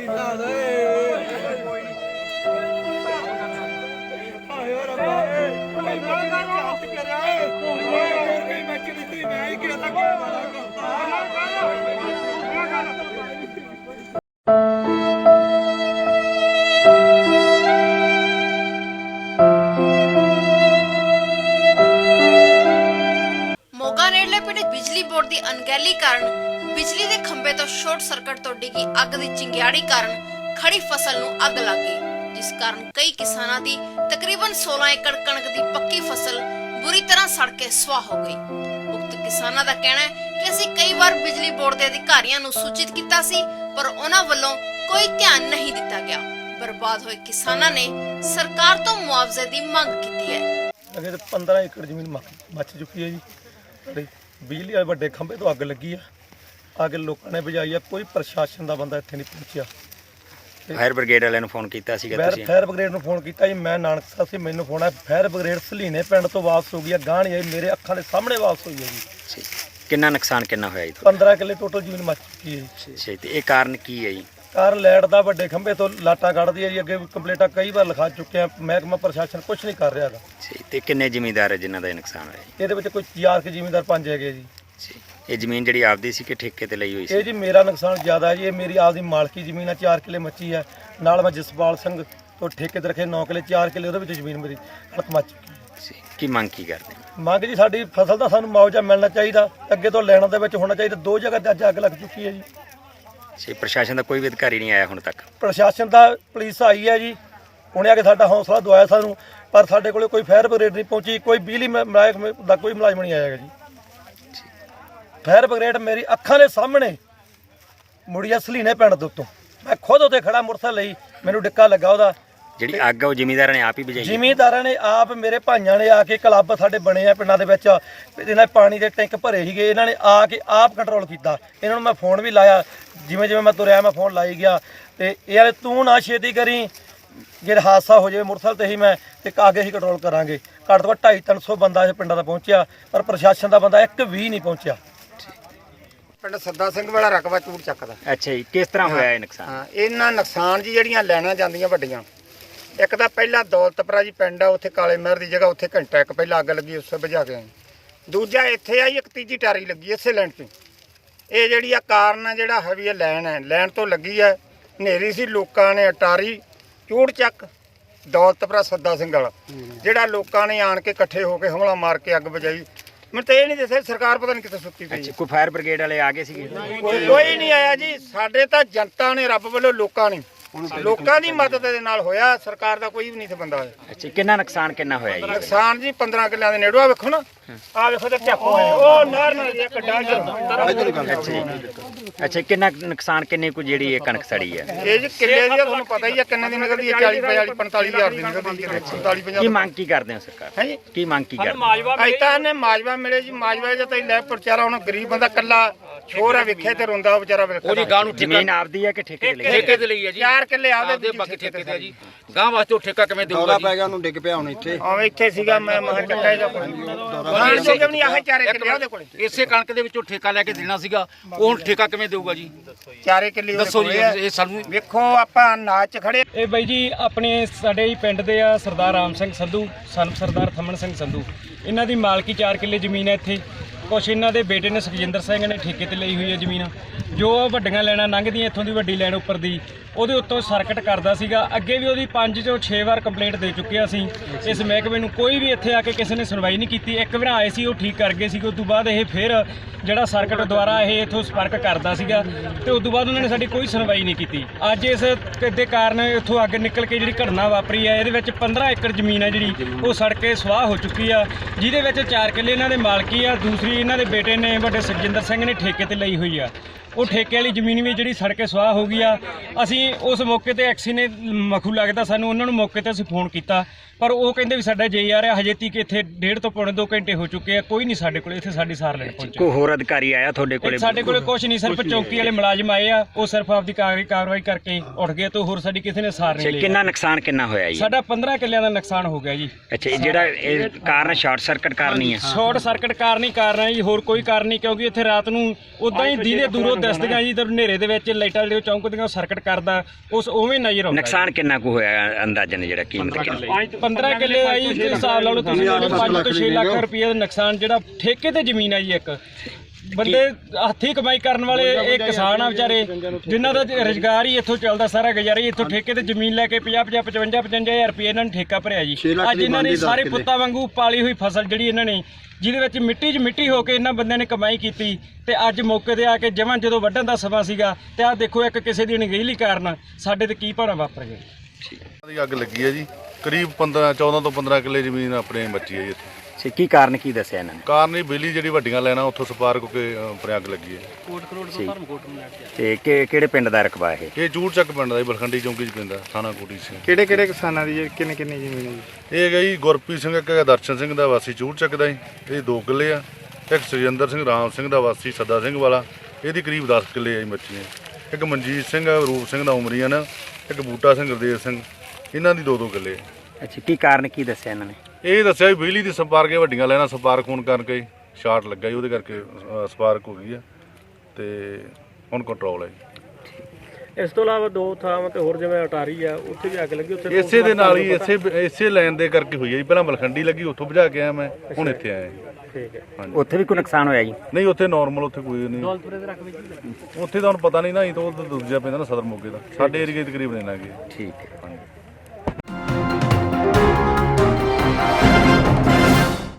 बिजली बोर्ड की अनगहली कारण बिजली के खंभे तो शॉर्ट सर्किट तो डिगी अग की चिंगाड़ी कारण खड़ी फसल नूं अग लग गई, जिस कारण कई किसानों की तकरीबन 16 एकड़ कणक की पक्की फसल बुरी तरह सड़ के स्वाह हो गई। उक्त किसानों का कहना है कि असीं कई बार बिजली बोर्ड के अधिकारियों नूं सूचित किया सी, पर उन्हां वल्लों कोई ध्यान नहीं दिता गया। बर्बाद हुए किसानों ने सरकार तो मुआवजे की मांग की है। अगे 15 एकड़ जमीन मच चुकी है जी। बिजली वाले ਵੱਡੇ खंभे तो अग लगी है, अग लोगों ने बुझाई है, कोई प्रशासन का बंदा इत्थे नहीं पहुंचा। फायर ब्रिगेड वाले फोन किया फायर ब्रिगेड में फोन किया जी, मैं नानक साहब से मैंने फोन आया, फायर ब्रिगेड सलीने पिंड तो वापस हो गई है, गाह नहीं आई, मेरे अखां के सामने वापस हुई है जी। कितना नुकसान कितना होया जी? 15 किले टोटल जमीन मच चुकी है जी। ते ये कारण की है जी? कार लाइट का ਵੱਡੇ खंभे तो लाटा ਕੱਢਦੀ है जी। अगे कंप्लेंटा कई बार लिखा चुके हैं, महकमा प्रशासन कुछ नहीं कर रहा है जी। ते किन्ने जिमीदार है जिन्हां दा नुकसान होया जी? ਇਹਦੇ ਵਿੱਚ ਕੋਈ 4 ਕੇ ਜ਼ਿਮੀਂਦਾਰ 5 ਹੈਗੇ ਜੀ। ये जमीन जी आपदी सी कि ठेके ते ਲਈ ਹੋਈ ਸੀ? ਇਹ ਜੀ ਮੇਰਾ ਨੁਕਸਾਨ ਜ਼ਿਆਦਾ ਹੈ ਜੀ, ਇਹ ਮੇਰੀ ਆਪਦੀ ਮਾਲਕੀ ਜ਼ਮੀਨ ਹੈ, 4 ਕਿਲੇ ਮੱਚੀ ਹੈ, ਨਾਲ ਮੈਂ ਜਸਪਾਲ ਸਿੰਘ ਤੋਂ ਠੇਕੇ ਤੇ ਰੱਖੇ 9 ਕਿਲੇ, 4 ਕਿਲੇ ਉਹਦੇ ਵਿੱਚ ਜ਼ਮੀਨ ਮੇਰੀ ਹਲਕ ਮੱਚ ਚੁੱਕੀ ਹੈ। ਕੀ ਮੰਗ ਕੀ ਕਰਦੇ? ਮੰਗ ਜੀ ਸਾਡੀ ਫਸਲ ਦਾ ਸਾਨੂੰ ਮੁਆਵਜ਼ਾ ਮਿਲਣਾ ਚਾਹੀਦਾ, ਅੱਗੇ ਤੋਂ ਲੈਣ ਦੇ ਵਿੱਚ ਹੋਣਾ ਚਾਹੀਦਾ। 2 ਜਗ੍ਹਾ ਤੇ ਅੱਜ ਅੱਗ ਲੱਗ ਚੁੱਕੀ ਹੈ ਜੀ। प्रशासन का कोई भी अधिकारी नहीं आया हुण तक? प्रशासन का पुलिस आई है जी, उन्हें आके साडा हौसला दवाया सानू, पर साडे कोले कोई फायर ब्रिगेड नहीं पहुंची, कोई बिजली महकमे दा कोई मुलाजम नहीं आएगा जी। फायर ब्रिगेड मेरी अखां दे सामने मुड़िया सलीने पिंड दे उत्तों, मैं खुद उत्ते खड़ा मोटरसाइकिल लई, मैनू डिक्का लगा उहदा। ਜਿਹੜੀ ਅੱਗ ਉਹ ਜ਼ਿਮੀਂਦਾਰਾਂ ਨੇ ਆਪ ਹੀ ਬੁਝਾਈ? ਜ਼ਿਮੀਂਦਾਰਾਂ ਨੇ ਆਪ, ਮੇਰੇ ਭਾਈਆਂ ਨੇ ਆ ਕੇ, ਕਲੱਬ ਸਾਡੇ ਬਣੇ ਆ ਪਿੰਡਾਂ ਦੇ ਵਿੱਚ, ਇਹਨਾਂ ਪਾਣੀ ਦੇ ਟੈਂਕ ਭਰੇ ਸੀਗੇ, ਇਹਨਾਂ ਨੇ ਆ ਕੇ ਆਪ ਕੰਟਰੋਲ ਕੀਤਾ। ਇਹਨਾਂ ਨੂੰ ਮੈਂ ਫੋਨ ਵੀ ਲਾਇਆ, ਜਿਵੇਂ ਜਿਵੇਂ ਮੈਂ ਤੁਰਿਆ ਮੈਂ ਫੋਨ ਲਾਈ ਗਿਆ, ਤੇ ਯਾਰ ਤੂੰ ਨਾ ਛੇਤੀ ਕਰੀ, ਜੇ ਹਾਦਸਾ ਹੋ ਜਾਵੇ ਮੋਟਰਸਾਈਕਲ ਤੇ ਹੀ ਮੈਂ ਤੇ ਅੱਗੇ ਹੀ ਕੰਟਰੋਲ ਕਰਾਂਗੇ। ਘੱਟ ਤੋਂ ਘੱਟ 250-300 ਬੰਦਾ ਇਹ ਪਿੰਡਾਂ ਦਾ ਪਹੁੰਚਿਆ, ਪਰ ਪ੍ਰਸ਼ਾਸਨ ਦਾ ਬੰਦਾ ਇੱਕ ਵੀ ਨਹੀਂ ਪਹੁੰਚਿਆ। ਪਿੰਡ ਸੱਦਾ ਸਿੰਘ ਵਾਲਾ ਰਕਬਾ ਚੂੜ ਚੱਕਦਾ। ਅੱਛਾ ਜੀ, ਕਿਸ ਤਰ੍ਹਾਂ ਹੋਇਆ ਇਹ ਨੁਕਸਾਨ? ਹਾਂ, ਇਹਨਾਂ ਨੁਕਸਾਨ ਜੀ ਜਿਹੜੀਆਂ ਲੈਣਾ ਜਾਂਦੀਆਂ ਵੱਡੀਆਂ, ਇੱਕ ਤਾਂ ਪਹਿਲਾਂ ਦੌਲਤਪੁਰਾ ਜੀ ਪਿੰਡ ਆ, ਉੱਥੇ ਕਾਲੇ ਮਹਿਰ ਦੀ ਜਗ੍ਹਾ, ਉੱਥੇ ਘੰਟਾ ਇੱਕ ਪਹਿਲਾਂ ਅੱਗ ਲੱਗੀ, ਉਸੇ ਬੁਝਾ ਕੇ ਆਏ। ਦੂਜਾ ਇੱਥੇ ਆਈ, ਇੱਕ ਤੀਜੀ ਟਾਰੀ ਲੱਗੀ ਇਸੇ ਲੈਣ 'ਚ। ਇਹ ਜਿਹੜੀ ਆ ਕਾਰਨ ਆ ਜਿਹੜਾ ਹੈ ਵੀ ਇਹ ਲੈਣ ਹੈ, ਲੈਣ ਤੋਂ ਲੱਗੀ ਹੈ, ਹਨੇਰੀ ਸੀ, ਲੋਕਾਂ ਨੇ ਅਟਾਰੀ ਚੂੜ ਚੱਕ ਦੌਲਤਪੁਰਾ ਸੱਦਾ ਸਿੰਘ ਵਾਲਾ, ਜਿਹੜਾ ਲੋਕਾਂ ਨੇ ਆਣ ਕੇ ਇਕੱਠੇ ਹੋ ਕੇ ਹਮਲਾ ਮਾਰ ਕੇ ਅੱਗ ਬੁਝਾਈ। ਮੈਨੂੰ ਤਾਂ ਇਹ ਨਹੀਂ ਦੱਸਿਆ ਸਰਕਾਰ ਪਤਾ ਨਹੀਂ ਕਿੱਥੇ ਸੁੱਤੀ ਪਈ। ਕੋਈ ਫਾਇਰ ਬ੍ਰਿਗੇਡ ਵਾਲੇ ਆ ਗਏ ਸੀਗੇ? ਕੋਈ ਨਹੀਂ ਆਇਆ ਜੀ, ਸਾਡੇ ਤਾਂ ਜਨਤਾ ਨੇ, ਰੱਬ ਵੱਲੋਂ ਲੋਕਾਂ ਨੇ, ਲੋਕਾਂ ਦੀ ਮਦਦ ਦੇ ਨਾਲ ਹੋਇਆ, ਸਰਕਾਰ ਦਾ ਕੋਈ ਵੀ ਨਹੀਂ ਸੀ ਬੰਦਾ ਹੋਇਆ। ਅੱਛਾ, ਕਿੰਨਾ ਨੁਕਸਾਨ ਕਿੰਨਾ ਹੋਇਆ ਜੀ? ਨੁਕਸਾਨ ਜੀ 15 ਕਿੱਲਿਆਂ ਦੇ ਨੇੜੋ, ਆ ਵੇਖੋ ਨਾ, ਆ ਵੇਖੋ ਤੇ ਝਾਕੋ ਹੈ, ਉਹ ਨਹਿਰ ਨਾਲ ਇੱਕ ਡਾਂਗ। ਅੱਛਾ, ਕਿੰਨਾ ਨੁਕਸਾਨ, ਕਿੰਨੇ ਕੁ ਜਿਹੜੀ ਇਹ ਕਣਕ ਸੜੀ ਹੈ? ਇਹ ਜੀ ਕਿੱਲੇ ਦੀ ਤੁਹਾਨੂੰ ਪਤਾ ਹੀ ਆ ਕਿੰਨੇ ਦੀ ਨਿਕਲਦੀ ਹੈ, 40 45 ਹਜ਼ਾਰ ਦੀ ਨਿਕਲਦੀ ਹੈ। 45 50 ਕੀ ਮੰਗ ਕੀ ਕਰਦੇ ਹੋ ਸਰਕਾਰ? ਹੈ ਜੀ, ਕੀ ਮੰਗ ਕੀ ਕਰਦੇ ਹੋ? ਅਜ ਤਾਂ ਇਹਨੇ ਮਾਜਵਾ ਮਿਲੇ ਜੀ, ਮਾਜਵਾ ਜਾਂ ਤਾਂ ਲੈ ਵਿਚਾਰਾ, ਹੁਣ ਗਰੀਬ ਬੰਦਾ ਕੱਲਾ ਛੋਰ ਆ, ਵੇਖੇ ਤੇ ਰੋਂਦਾ ਉਹ ਵਿਚਾਰਾ। ਉਹਦੀ ਗਾਂ ਨੂੰ ਜ਼ਮੀਨ ਆਪਦੀ ਹੈ ਕਿ ਠੇਕੇ ਤੇ ਲਈ? ਠੇਕੇ ਤੇ ਲਈ ਹੈ ਜੀ, 4 ਕਿੱਲੇ ਆਪਦੇ, ਬਾਕੀ ਠੇਕੇ ਤੇ ਹੈ ਜੀ। ਗਾਂ ਵਾਸਤੇ ਉਹ ਠੇਕਾ ਕਿਵੇਂ ਦੇਊਗਾ ਜੀ? ਪੈ ਗਿਆ ਉਹਨੂੰ, ਡਿੱਗ ਪਿਆ ਹੁਣ ਇੱਥੇ। ਆਵੇਂ ਇੱਥੇ ਸੀਗਾ, ਮੈਂ ਮਹਾਂ ਚੱਕਾ ਇਹਦਾ ਕੋਲ ਗਾਣ ਜੋ ਨਹੀਂ, ਆਹ 4 ਕਿੱਲੇ ਉਹਦੇ ਕੋਲ। ਇਸੇ ਕਣਕ ਦੇ ਵਿੱਚੋਂ ਠੇਕਾ ਲੈ ਕੇ ਦੇਣਾ ਸੀਗਾ, ਉਹ ਹੁਣ ਠੇਕਾ ਕਿਵੇਂ ਦੇਊਗਾ ਜੀ? 4 ਕਿੱਲੇ ਦੱਸੋ ਜੀ, ਇਹ ਸਾਨੂੰ ਵੇਖੋ ਆਪਾਂ ਨਾਚ ਖੜੇ। ਇਹ ਬਾਈ ਜੀ ਆਪਣੇ ਸਾਡੇ ਹੀ ਪਿੰਡ ਦੇ ਆ, ਸਰਦਾਰ ਰਾਮ ਸਿੰਘ ਸੰਧੂ, ਸਨ ਸਰਦਾਰ ਥਮਨ ਸਿੰਘ ਸੰਧੂ, ਇਹਨਾਂ ਦੀ ਮਾਲਕੀ 4 ਕਿੱਲੇ ਜ਼ਮੀਨ ਹੈ ਇੱਥੇ। ਕੁਛ ਇਹਨਾਂ ਦੇ ਬੇਟੇ ਨੇ ਸੁਖਜਿੰਦਰ ਸਿੰਘ ਨੇ ਠੇਕੇ ਤੇ ਲਈ ਹੋਈ ਹੈ ਜ਼ਮੀਨ। ਜੋ ਵੱਡੀਆਂ ਲੈਣਾ ਲੰਘਦੀਆਂ ਇੱਥੋਂ ਦੀ ਵੱਡੀ ਲੈਣ ਉੱਪਰ ਦੀ, ਉਹਦੇ ਉੱਤੋਂ ਸਰਕਟ ਕਰਦਾ ਸੀਗਾ। ਅੱਗੇ ਵੀ ਉਹਦੀ 5 ਤੋਂ 6 ਵਾਰ ਕੰਪਲੇਂਟ ਦੇ ਚੁੱਕੇ ਅਸੀਂ ਇਸ ਮਹਿਕਮੇ ਨੂੰ, ਕੋਈ ਵੀ ਇੱਥੇ ਆ ਕੇ ਕਿਸੇ ਨੇ ਸੁਣਵਾਈ ਨਹੀਂ ਕੀਤੀ। ਇੱਕ ਵਾਰ ਆਏ ਸੀ, ਉਹ ਠੀਕ ਕਰ ਗਏ ਸੀਗੇ, ਉਸ ਤੋਂ ਬਾਅਦ ਇਹ ਫਿਰ ਜਿਹੜਾ ਸਰਕਟ ਦੁਆਰਾ ਇਹ ਇੱਥੋਂ ਸੰਪਰਕ ਕਰਦਾ ਸੀਗਾ, ਤੇ ਉਸ ਤੋਂ ਬਾਅਦ ਉਹਨਾਂ ਨੇ ਸਾਡੀ ਕੋਈ ਸੁਣਵਾਈ ਨਹੀਂ ਕੀਤੀ। ਅੱਜ ਇਸ ਦੇ ਕਾਰਨ ਇੱਥੋਂ ਅੱਗ ਨਿਕਲ ਕੇ ਜਿਹੜੀ ਘਟਨਾ ਵਾਪਰੀ ਹੈ, ਇਹਦੇ ਵਿੱਚ 15 ਏਕੜ ਜ਼ਮੀਨ ਹੈ ਜਿਹੜੀ ਉਹ ਸੜ ਕੇ ਸਵਾਹ ਹੋ ਚੁੱਕੀ ਆ, ਜਿਹਦੇ ਵਿੱਚ 4 ਕਿੱਲੇ ਇਹਨਾਂ ਦੇ ਮਾਲਕੀ ਆ, ਦੂਸਰੀ ਇਹਨਾਂ ਦੇ ਬੇਟੇ ਨੇ ਵੱਡੇ ਸੁਖਜਿੰਦਰ ਸਿੰਘ ਨੇ ਠੇਕੇ ਤੇ ਲਈ ਹੋਈ ਆ। ਉਹ ਠੇਕੇ ਵਾਲੀ ਜ਼ਮੀਨ ਵੀ ਜਿਹੜੀ ਸੜ ਕੇ ਸਵਾਹ ਹੋ ਗਈ ਆ। ਅਸੀਂ ਉਸ ਮੌਕੇ ਤੇ ਐਕਸੀ ਨੇ ਮਖੂ ਲੱਗਦਾ ਸਾਨੂੰ, ਉਹਨਾਂ ਨੂੰ ਮੌਕੇ ਤੇ ਅਸੀਂ ਫੋਨ ਕੀਤਾ, ਪਰ ਉਹ ਕਹਿੰਦੇ ਵੀ ਸਾਡਾ ਜੇ ਆ ਰਿਹਾ, ਹਜੇ ਤੀਕ ਇੱਥੇ 1.5 ਤੋਂ ਪੌਣੇ 2 ਘੰਟੇ ਹੋ ਚੁੱਕੇ ਆ, ਕੋਈ ਨਹੀਂ ਸਾਡੇ ਕੋਲ ਇੱਥੇ ਸਾਡੀ ਸਾਰ ਲੈਣ ਪਹੁੰਚਿਆ। ਕੋਈ ਹੋਰ ਅਧਿਕਾਰੀ ਆਇਆ ਤੁਹਾਡੇ ਕੋਲੇ? ਸਾਡੇ ਕੋਲੇ ਕੁਝ ਨਹੀਂ, ਸਿਰਫ ਚੌਕੀ ਵਾਲੇ ਮੁਲਾਜ਼ਮ ਆਏ ਆ, ਉਹ ਸਿਰਫ ਆਪਦੀ ਕਾਰਵਾਈ ਕਰਕੇ ਉੱਠ ਗਏ, ਤੋਂ ਹੋਰ ਸਾਡੀ ਕਿਸੇ ਨੇ ਸਾਰ ਨਹੀਂ ਲਈ। ਕਿੰਨਾ ਨੁਕਸਾਨ ਕਿੰਨਾ ਹੋਇਆ ਜੀ? ਸਾਡਾ 15 ਕਿੱਲਿਆਂ ਦਾ ਨੁਕਸਾਨ ਹੋ ਗਿਆ ਜੀ। ਅੱਛਾ, ਜਿਹੜਾ ਇਹ ਕਾਰਨ ਸ਼ਾਰਟ ਸਰਕਟ ਕਾਰਨ ਹੀ ਹੈ? ਸ਼ਾਰਟ ਸਰਕਟ ਕਾਰਨ ਹੀ ਕਾਰਨ ਹੈ ਜੀ, ਹੋਰ ਕੋਈ ਕਾਰਨ ਨਹੀਂ, ਕਿਉਂਕਿ ਇੱਥੇ ਰਾਤ ਨੂੰ ਉਦਾਂ ਹੀ ਦੀਨੇ ਦੂਰੋਂ ਦਿਸਦੀਆਂ ਜੀ, ਤੇ ਹਨੇਰੇ ਦੇ ਵਿੱਚ ਲਾਈਟਾਂ ਜਿਹੜੀਆਂ ਚੌਂਕਦੀਆਂ ਸਰਕਟ ਕਰਦਾ ਉਸ ਉਵੇਂ ਨਜ਼ਰ ਆਉਂਦਾ। ਨੁਕਸਾਨ ਕਿੰਨਾ ਕੁ ਹੋਇਆ ਅੰਦਾਜ਼ਨ ਜਿਹੜਾ ਕੀਮਤ ਕਿੰਨੀ? 15 ਕਿੱਲੇ ਆ ਜੀ, ਤੇ ਹਿਸਾਬ ਲਾ ਲਓ ਤੁਸੀਂ 5 ਤੋਂ 6 ਲੱਖ ਰੁਪਏ ਦਾ ਨੁਕਸਾਨ, ਜਿਹੜਾ ਠੇਕੇ ਤੇ ਜ਼ਮੀਨ ਆ ਜੀ। ਇੱਕ ਬੰਦੇ ਹੱਥੀਂ ਕਮਾਈ ਕਰਨ ਵਾਲੇ ਇਹ ਕਿਸਾਨ ਆ ਵਿਚਾਰੇ, ਜਿਨ੍ਹਾਂ ਦਾ ਰੁਜ਼ਗਾਰ ਹੀ ਇੱਥੋਂ ਚੱਲਦਾ, ਸਾਰਾ ਗੁਜ਼ਾਰਾ ਹੀ ਇੱਥੋਂ ਠੇਕੇ ਤੇ ਜ਼ਮੀਨ ਲੈ ਕੇ 50 55 ਹਜ਼ਾਰ ਰੁਪਏ ਇਹਨਾਂ ਨੇ ਠੇਕਾ ਭਰਿਆ ਜੀ। ਅੱਜ ਇਹਨਾਂ ਨੇ ਸਾਰੇ ਪੁੱਤਾਂ ਵਾਂਗੂ ਪਾਲੀ ਹੋਈ ਫਸਲ ਜਿਹੜੀ ਇਹਨਾਂ ਨੇ, ਜਿਹਦੇ ਵਿੱਚ ਮਿੱਟੀ 'ਚ ਮਿੱਟੀ ਹੋ ਕੇ ਇਹਨਾਂ ਬੰਦਿਆਂ ਨੇ ਕਮਾਈ ਕੀਤੀ, ਤੇ ਅੱਜ ਮੌਕੇ ਤੇ ਆ ਕੇ ਜਮਾਂ ਜਦੋਂ ਵੱਢਣ ਦਾ ਸਮਾਂ ਸੀਗਾ, ਤੇ ਆਹ ਦੇਖੋ ਇੱਕ ਕਿਸੇ ਦੀ ਅਣਗਹਿਲੀ ਕਾਰਨ ਸਾਡੇ ਤੇ ਕੀ ਭਾਣਾ ਵਾਪਰ ਗਿਆ। ਦੀ ਅੱਗ ਲੱਗੀ ਹੈ ਜੀ, ਕਰੀਬ 14 ਤੋਂ 15 ਕਿੱਲੇ ਜ਼ਮੀਨ ਆਪਣੇ ਬਚੀ ਹੈ ਜੀ ਇੱਥੇ। ਕੀ ਕਾਰਨ ਕੀ ਦੱਸਿਆ ਇਹਨਾਂ ਨੇ? ਕਾਰਨ ਹੀ ਬਿਜਲੀ ਜਿਹੜੀ ਵੱਡੀਆਂ ਲੈਣਾ ਉੱਥੋਂ ਸਪਾਰਕ ਹੋ ਕੇ ਆਪਣੇ ਅੱਗ ਲੱਗੀ ਹੈ। ਤੇ ਕਿਹੜੇ ਪਿੰਡ ਦਾ ਰਕਬਾ ਇਹ? ਇਹ ਚੂੜ ਚੱਕ ਪਿੰਡ ਦਾ ਜੀ, ਬਲਖੰਡੀ ਚੌਂਕੀ 'ਚ ਪੈਂਦਾ, ਥਾਣਾ ਕੋਟੀ ਸਿੰਘ। ਕਿਹੜੇ ਕਿਸਾਨਾਂ ਦੀ ਕਿੰਨੇ ਜ਼ਮੀਨ ਹੈ ਜੀ? ਇਹ ਹੈਗਾ ਜੀ ਗੁਰਪ੍ਰੀਤ ਸਿੰਘ, ਇੱਕ ਹੈਗਾ ਦਰਸ਼ਨ ਸਿੰਘ ਦਾ ਵਾਸੀ ਚੂੜ ਚੱਕ ਦਾ ਜੀ, ਇਹ 2 ਕਿੱਲੇ ਆ। ਇੱਕ ਸੁਰਿੰਦਰ ਸਿੰਘ ਰਾਮ ਸਿੰਘ ਦਾ ਵਾਸੀ ਸੱਦਾ ਸਿੰਘ ਵਾਲਾ, ਇਹਦੀ ਕਰੀਬ 10 ਕਿੱਲੇ ਆ ਜੀ ਮੱਛੀਆਂ। ਇੱਕ ਮਨਜੀਤ ਸਿੰਘ ਰੂਪ ਸਿੰਘ ਦਾ ਉਮਰੀਅਨ, ਇੱਕ ਬੂਟਾ ਸਿੰਘ ਗੁਰਦੇਵ ਸਿੰਘ, ਇਹਨਾਂ ਦੀ 2-2 ਕਿੱਲੇ। ਅੱਛਾ, ਕੀ ਕਾਰਨ ਕੀ ਦੱਸਿਆ ਇਹਨਾਂ ਨੇ? ਇਹ ਦੱਸਿਆ ਵੀ ਬਿਜਲੀ ਦੀ ਸਪਾਰਕ ਵੱਡੀਆਂ ਲੈਣਾ ਸਪਾਰਕ ਹੋਣ ਕਰਕੇ ਸ਼ਾਰਟ ਲੱਗਾ ਜੀ, ਉਹਦੇ ਕਰਕੇ ਸਪਾਰਕ ਹੋ ਗਈ ਆ, ਤੇ ਹੁਣ ਕੰਟਰੋਲ ਹੈ ਜੀ। ਇਸ ਤੋਂ ਇਲਾਵਾ 2 ਥਾਵਾਂ ਤੇ ਹੋਰ ਜਿਵੇਂ ਅਟਾਰੀ ਆ, ਉੱਥੇ ਵੀ ਅੱਗ ਲੱਗੀ। ਉੱਥੇ ਇਸੇ ਦੇ ਨਾਲ ਹੀ ਇਸੇ ਲਾਈਨ ਦੇ ਕਰਕੇ ਹੋਈ ਹੈ ਜੀ। ਪਹਿਲਾਂ ਮਲਖੰਡੀ ਲੱਗੀ, ਉੱਥੋਂ ਬੁਝਾ ਕੇ ਆਇਆ ਮੈਂ, ਹੁਣ ਇੱਥੇ ਆਇਆ ਜੀ। ਠੀਕ ਹੈ। ਹਾਂਜੀ, ਉੱਥੇ ਵੀ ਕੋਈ ਨੁਕਸਾਨ ਹੋਇਆ ਜੀ? ਨਹੀਂ ਉੱਥੇ ਨਾਰਮਲ, ਉੱਥੇ ਕੋਈ ਨਹੀਂ। ਉੱਥੇ ਤਾਂ ਹੁਣ ਪਤਾ ਨਹੀਂ ਨਾ, ਇਹ ਤਾਂ ਉਹ ਦੂਜਾ ਪੈਂਦਾ ਨਾ ਸਦਰ ਮੋਗੇ ਦਾ, ਸਾਡੇ ਏਰੀਏ ਤਕਰੀਬਨ ਇੰਨਾ ਕੀ। ਠੀਕ ਹੈ। ਹਾਂਜੀ।